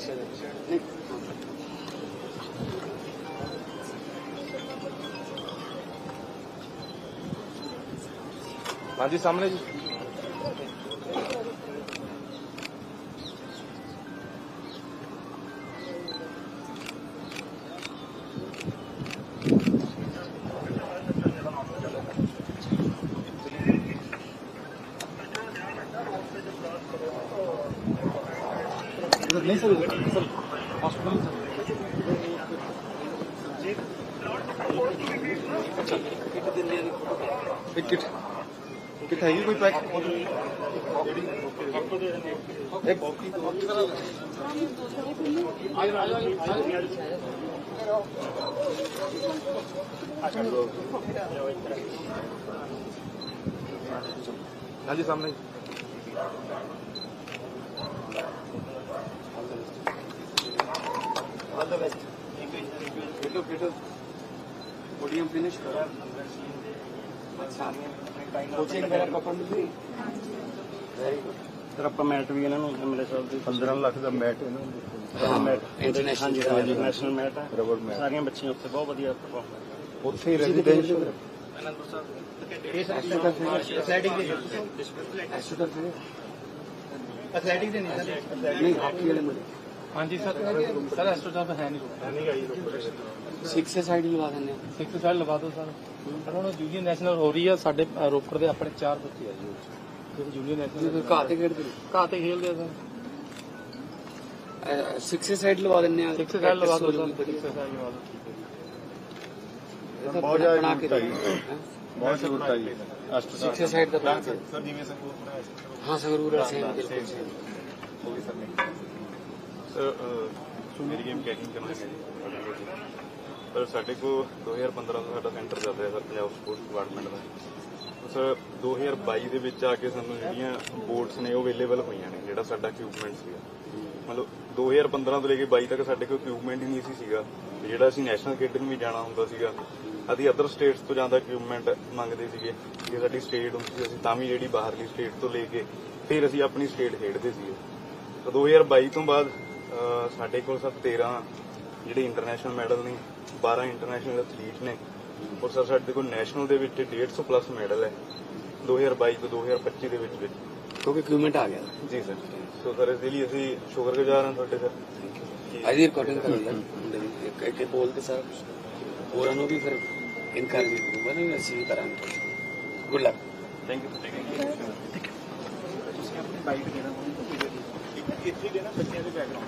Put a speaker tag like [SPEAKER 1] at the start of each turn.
[SPEAKER 1] हाँ जी सामने जी। नहीं sir sir hospital kit kit है कोई पैक हाँ जी सामने all the best podium finish करा अच्छा कोचिंग मेरा कपड़ मिल गई
[SPEAKER 2] ਸਰ ਆਪਾਂ ਮੈਟ ਵੀ ਇਹਨਾਂ ਨੂੰ ਮੇਰੇ ਸਾਹਿਬ ਦੀ
[SPEAKER 1] 15 ਲੱਖ ਦਾ ਮੈਟ ਇਹਨਾਂ ਨੂੰ
[SPEAKER 2] ਮੈਟ ਇੰਟਰਨੈਸ਼ਨਲ ਮੈਟ ਹੈ
[SPEAKER 1] ਰਬੜ ਮੈਟ
[SPEAKER 2] ਸਾਰੀਆਂ ਬੱਚੀਆਂ ਉੱਥੇ ਬਹੁਤ ਵਧੀਆ ਪਰਫਾਰਮ
[SPEAKER 1] ਉੱਥੇ ਹੀ ਰੈਜ਼ੀਡੈਂਸ਼ੀਅਲ
[SPEAKER 2] ਅਨੰਦਪੁਰ ਸਾਹਿਬ
[SPEAKER 1] ਐਥਲੈਟਿਕ ਦੇ ਨਹੀਂ ਹਾਕੀ ਵਾਲੇ ਮੁੰਡੇ
[SPEAKER 3] हाँ जी सर सर एस्ट्रोचार्ज तो है नहीं
[SPEAKER 4] सिक्स साइड लगा देने
[SPEAKER 3] सिक्स साइड लगा दो सर सर ਹੁਣ ਜੂਨੀਅਰ ਨੈਸ਼ਨਲ ਹੋ ਰਹੀ ਆ ਸਾਡੇ ਰੋਪੜ ਦੇ ਆਪਣੇ 4 ਬੱਚੇ ਆ ਜੀ ਜਿਹੜੇ ਜੂਨੀਅਰ ਨੈਸ਼ਨਲ
[SPEAKER 4] ਘਾਹ ਤੇ ਖੇਡਦੇ
[SPEAKER 3] ਘਾਹ ਤੇ ਖੇਡਦੇ ਆ ਸਰ
[SPEAKER 4] सिक्स साइड लगा देने
[SPEAKER 3] सिक्स साइड लगा दो सर सिक्स साइड लगा दो
[SPEAKER 1] ਬਹੁਤ ਜ਼ਿਆਦਾ ਬਹੁਤ ਜ਼ਰੂਰਤ ਹੈ ਜੀ
[SPEAKER 4] सिक्स साइड का प्लान
[SPEAKER 1] ਸਰ ਜਿਵੇਂ ਸੰਗਰੂਰ ਬਣਾਇਆ
[SPEAKER 4] हाँ संगरूर सेम बिल्कुल सेम
[SPEAKER 1] ਹੋ ਗਈ ਸਰ ਸਰ ਮੇਰੀ ਗੇਮ ਕੈਕਿੰਗ ਕਰਨਾ ਹੈ ਜੀ ਪਰ ਸਾਡੇ ਕੋਲ 2015 ਤੋਂ ਸਾਡਾ ਸੈਂਟਰ ਚੱਲ ਰਿਹਾ ਸਰ ਪੰਜਾਬ ਸਪੋਰਟਸ ਡਿਪਾਰਟਮੈਂਟ ਦਾ ਸਰ 2022 ਦੇ ਵਿੱਚ ਆ ਕੇ ਸਾਨੂੰ ਜਿਹੜੀਆਂ ਬੋਰਡਸ ਨੇ ਉਹ ਅਵੇਲੇਬਲ ਹੋਈਆਂ ਨੇ ਜਿਹੜਾ ਸਾਡਾ ਇਕਵਿਪਮੈਂਟ ਸੀਗਾ ਮਤਲਬ 2015 ਤੋਂ ਲੈ ਕੇ 22 ਤੱਕ ਸਾਡੇ ਕੋਲ ਇਕਵਿਪਮੈਂਟ ਹੀ ਨਹੀਂ ਸੀਗਾ ਜਿਹੜਾ ਅਸੀਂ ਨੈਸ਼ਨਲ ਖੇਡਣ ਵੀ ਜਾਣਾ ਹੁੰਦਾ ਸੀਗਾ ਅਸੀਂ ਅਦਰ ਸਟੇਟਸ ਤੋਂ ਜ਼ਿਆਦਾ ਇਕਵਿਪਮੈਂਟ ਮੰਗਦੇ ਸੀਗੇ ਜੇ ਸਾਡੀ ਸਟੇਟ ਹੁੰਦੀ ਸੀ ਅਸੀਂ ਤਾਂ ਵੀ ਜਿਹੜੀ ਬਾਹਰਲੀ ਸਟੇਟ ਤੋਂ ਲੈ ਕੇ ਫਿਰ ਅਸੀਂ ਆਪਣੀ ਸਟੇਟ ਖੇਡਦੇ ਸੀਗੇ ਤਾਂ 2022 ਤੋਂ ਬਾਅਦ ਸਾਡੇ ਕੋਲ ਸਰ 13 ਜਿਹੜੇ ਇੰਟਰਨੈਸ਼ਨਲ ਮੈਡਲ ਨੇ 12 ਇੰਟਰਨੈਸ਼ਨਲ ਐਥਲੀਟ ਨੇ ਔਰ ਸਰ ਸਾਡੇ ਕੋਲ ਨੈਸ਼ਨਲ ਦੇ ਵਿੱਚ 150 ਪਲੱਸ ਮੈਡਲ ਹੈ 2022 ਤੋਂ 2025 ਦੇ ਵਿੱਚ
[SPEAKER 4] क्योंकि इक्विपमेंट आ गया
[SPEAKER 1] ਜੀ ਸਰ ਸੋ ਸਰ ਇਸ ਲਈ ਅਸੀਂ ਸ਼ੁਕਰਗੁਜ਼ਾਰ ਹਾਂ ਤੁਹਾਡੇ ਸਰ
[SPEAKER 4] आज रिकॉर्डिंग कर एक बोलते सर और भी फिर इनकरेज करूंगा ना ऐसे ही करांगे good luck
[SPEAKER 1] thank you
[SPEAKER 3] bike ਦੇਣਾ ਇੱਥੇ ਦੇਣਾ ਬੱਚਿਆਂ ਦੇ ਬੈਕਗ੍ਰਾਉਂਡ